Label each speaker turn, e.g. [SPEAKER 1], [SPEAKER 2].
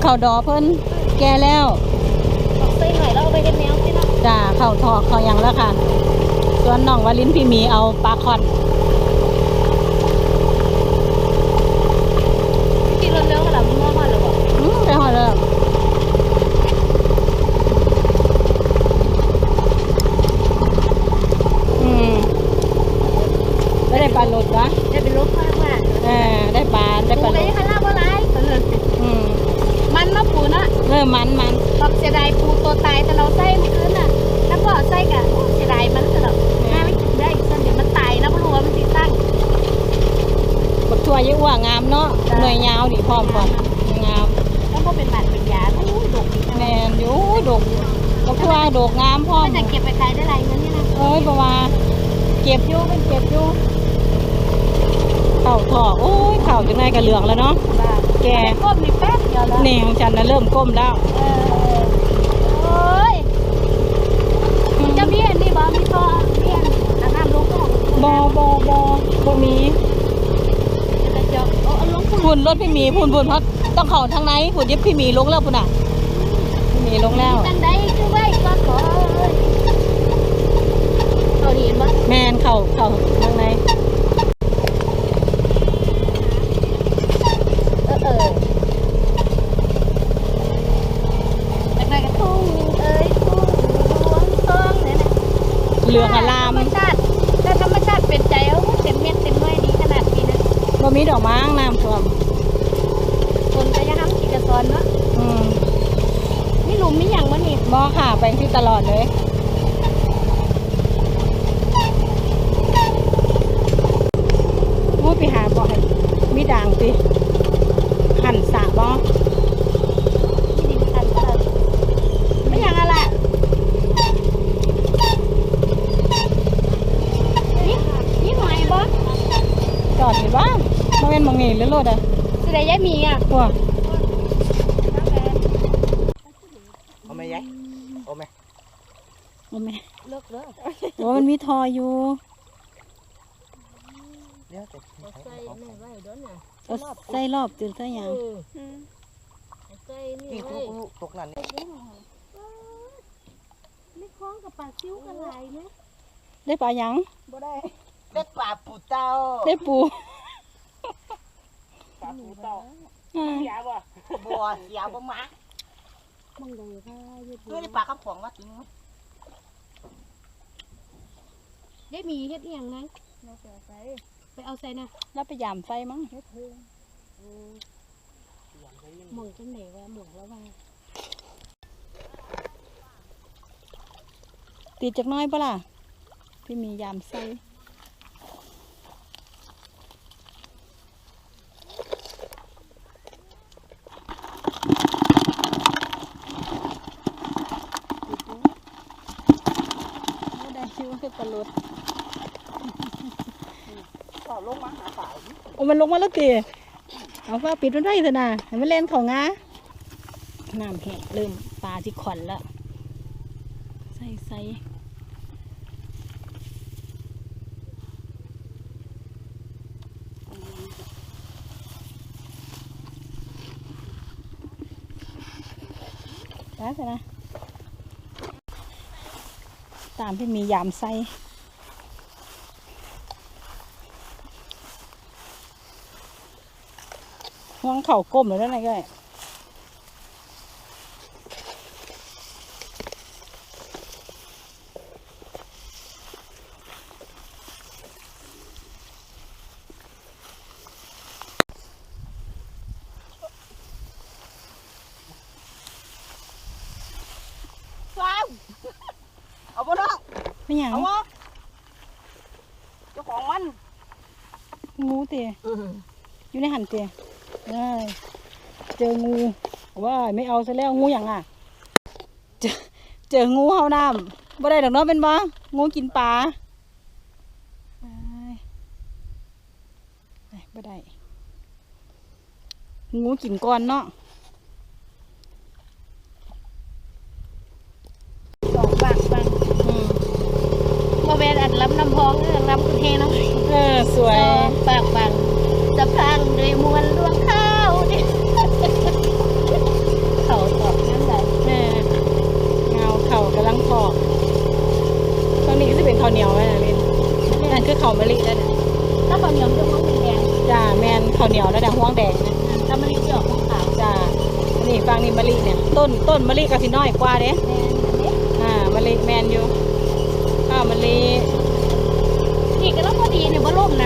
[SPEAKER 1] ข้าวดอเพิ่นแก่แล้ว
[SPEAKER 2] ใส่หน่อยแล้วเอาไปเฮ็ดแนวสิเนาะ
[SPEAKER 1] จ้าข้าวทอดข้าวหยังแล้วค่ะส่วนน้องวลินพี่มีเอาปลาคอน
[SPEAKER 2] กินเร็วๆก็แล้วมันมาแล้วบ่
[SPEAKER 1] ไปหอดเลยได้ปลาหลุดวะ
[SPEAKER 2] ได้เป็นลูกมากมาก
[SPEAKER 1] ได้ปลาได้ปลาหลุด
[SPEAKER 2] ปูได้คันลาบ่หลายมันมาปูนะ
[SPEAKER 1] มัน
[SPEAKER 2] บอกเสียดายปูตัวตายแต่เราใส่เมื่อคืนน่ะแล้วก็ใส่กะเสียดายมันสำหรับน่าไม่กินได้ส่วนเดี๋ยวมันตายนะบ่รู้ว่ามันสิตั้ง
[SPEAKER 1] บักทั่วเยอะว่างามเนาะหน่วยยาวดิพร้อมก่อนงาม
[SPEAKER 2] แล้วก็เป็นบาดเป็นยาโอ้ยดกดี
[SPEAKER 1] แมนอยู่ดกบักทั่วดกงามพร้อม
[SPEAKER 2] จะเก็บไปขายได้ไรเงินนี่นะ
[SPEAKER 1] ประมาณเก็บอยู่เป็นเก็บอยู่เข่าถอกโอ้ยเข่าจังไงกระเหลืองแล้วเนาะแก
[SPEAKER 2] ก้มมีแป๊บเดียวแล้ว
[SPEAKER 1] เนี่ยของฉันนะเริ่มก้มแล้ว
[SPEAKER 2] โอ้ยจะเบี้ยนนี่บ่มีท่อเบี้ยนน้ำลงก็
[SPEAKER 1] บ่มี
[SPEAKER 2] จะจบเอาลง
[SPEAKER 1] พุ่นรถพี่มีพุ่นเพราะต้องเข่าทางไหนพุ่นยิบพี่มีลงแล้วพุ่นอ่ะพี่มีลงแล้ว
[SPEAKER 2] ทางใดคือไว้ก็ขอเขาเห็นบ่
[SPEAKER 1] แมนเข่าทางไหนเหลืองอลาม
[SPEAKER 2] ธรรมชาติถ้าธรรมชาติเป็นใจเอาเต็มเม็ดเต็มหน่วยดีขนาดนี้นะ
[SPEAKER 1] บ่มีดอกไม้น้ำท่วม
[SPEAKER 2] คนก็ยังทำกิจกรรมเนาะมีหลุมมีอย่างมั้งนี่
[SPEAKER 1] บ่ค่ะไปที่ตลอดเลยโอ้ไปหาบ่ให้มีด่างสิหั่นสาบ่
[SPEAKER 2] มีดินคันก็ไม่อย่างอะไรนี่หอยบ่
[SPEAKER 1] จอดอยู่บ้านมาเป็นมองเงี้ยเรื่อยๆอ่ะ
[SPEAKER 2] สิได้ย้ายมีอ่ะ
[SPEAKER 1] พวก
[SPEAKER 3] เอาไหมยายเอาไหม
[SPEAKER 2] เลิกเลย
[SPEAKER 1] โอ้มันมีทออยู่
[SPEAKER 3] เดี๋ยวจะ
[SPEAKER 2] ใส่แม่ไว้ด้วนน่ะ
[SPEAKER 1] ใส่รอบตื่นใส่ยัง
[SPEAKER 2] ใส่นี่ไว้
[SPEAKER 3] ตกนั่นนี่
[SPEAKER 2] ไม่คล้องกับปลาซิ้วกันไหลไหม
[SPEAKER 1] ได้ปลายัง
[SPEAKER 2] บ่ได้
[SPEAKER 3] ได้ปลาปูเต้า
[SPEAKER 1] ได้ปู
[SPEAKER 3] ปลาปูเต้าเสียบ่บัวเสียบ่มา
[SPEAKER 2] มึงได้ค่ะ
[SPEAKER 3] ตัวนี้ปลาข้าวของว่าจริง
[SPEAKER 2] ได้มีเฮ็ดอีหยังไงเราไปเอาใส่นะ
[SPEAKER 1] แล้วไปยามไฟมั้ง
[SPEAKER 2] เฮ็ดเพิ่งหม่องจังไหนวะหม่องแล้วว่า
[SPEAKER 1] ติดจากน้อยปะล่ะพี่มียามไฟได้ชื่อว่าปลาลด
[SPEAKER 3] ก็ลงมาหาปลา
[SPEAKER 1] โอ้มันลงมาแล้วตีเอาฟ้าปิดมันได้เถอะนะให้มันเล่นของงาน้ำแห้งเริ่มปลาที่ขอนแล้วใส่ได้สินะตามที่มียามไส้ห่วงเข่าก้มเลยได้ไงก็
[SPEAKER 3] เอาบ่น้อง
[SPEAKER 1] ไม่หยัง
[SPEAKER 3] เอาบ่เจ้าของมัน
[SPEAKER 1] งูเตี๋ยอยู่ในหันเตี๋ยเจองูว่าไม่เอาซะแล้วงูอย่างอ่ะเจองูเฮาน้ำบ่ได้ดอกเนาะเป็นบ่งูกินปลาบ่ได้งูกินก้อนเนาะ
[SPEAKER 2] บังมาเวนอัดล้ำน้ำพองล้ำกุเทนะ
[SPEAKER 1] สวย
[SPEAKER 2] บังจะพังด้วยมวลลวงข้าวดิ
[SPEAKER 1] นี่ฟังนี่มะลิเนี่ยต้นมะลิก็สิน้อยกว่าเด้
[SPEAKER 2] แม่นอันนี้
[SPEAKER 1] มะลิแมนอยู่ข้าวมะลิ
[SPEAKER 2] นี่ก็แล้วพอดีเนี่ยบ่ล่มนะ